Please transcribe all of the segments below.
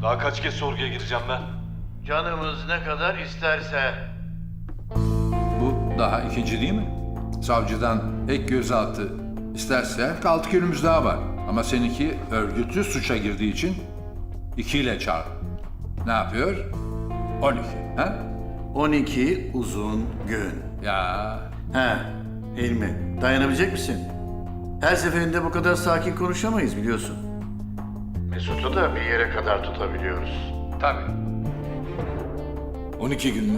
Daha kaç kez sorguya gireceğim ben? Canımız ne kadar isterse. Bu daha ikinci değil mi? Savcıdan ek gözaltı isterse 6 günümüz daha var. Ama seninki örgütlü suça girdiği için 2 ile çarp. Ne yapıyor? 12. Ha? 12 uzun gün. Ya He, Hilmi, dayanabilecek misin? Her seferinde bu kadar sakin konuşamayız biliyorsun. Mesut'u da bir yere kadar tutabiliyoruz. tabii. 12 gün mü?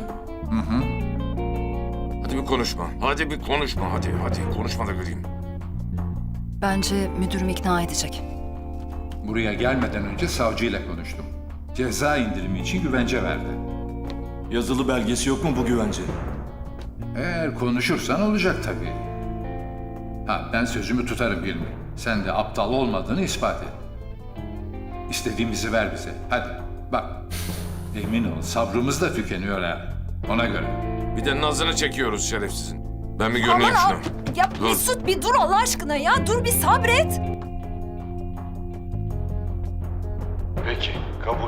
Hadi bir konuşma. Hadi bir konuşma. Hadi konuşma da göreyim. Bence müdürüm ikna edecek. Buraya gelmeden önce savcıyla konuştum. Ceza indirimi için güvence verdi. Yazılı belgesi yok mu bu güvencenin? Eğer konuşursan olacak tabii. Ha, ben sözümü tutarım Hilmi. Sen de aptal olmadığını ispat et. İstediğimizi ver bize. Hadi bak. Emin ol sabrımız da tükeniyor ha. Ona göre. Bir de nazını çekiyoruz şerefsizin. Ben bir görüneyim Aman şuna. ya Dur. Mesut bir dur Allah aşkına ya. Dur bir sabret. Peki, kabul.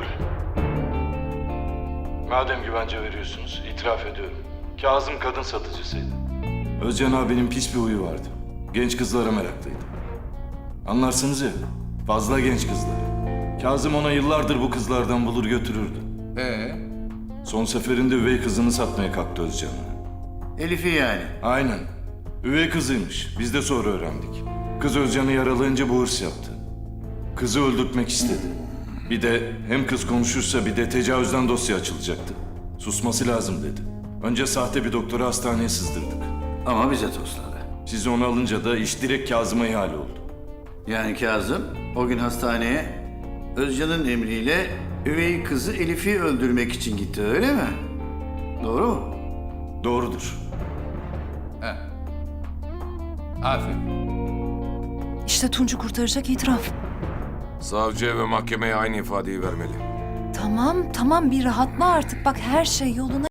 Madem güvence veriyorsunuz, itiraf ediyorum. Kazım kadın satıcısıydı. Özcan abinin pis bir huyu vardı. Genç kızlara meraklıydı. Anlarsınız ya, fazla genç kızlar. Kazım ona yıllardır bu kızlardan bulur götürürdü. Son seferinde üvey kızını satmaya kalktı Özcan'a. Elif'i yani. Aynen. Üvey kızıymış. Biz de sonra öğrendik. Kız Özcan'ı yaralayınca bu hırs yaptı. Kızı öldürtmek istedi. Bir de hem kız konuşursa bir de tecavüzden dosya açılacaktı. Susması lazım dedi. Önce sahte bir doktoru hastaneye sızdırdık. Ama bize tosladı. Siz onu alınca da iş direkt Kazım'a ihale oldu. Yani Kazım o gün hastaneye Özcan'ın emriyle üvey kızı Elif'i öldürmek için gitti öyle mi? Doğru mu? Doğrudur. Aferin. İşte Tunç'u kurtaracak itiraf. Savcıya ve mahkemeye aynı ifadeyi vermeli. Tamam bir rahatla artık. Bak her şey yoluna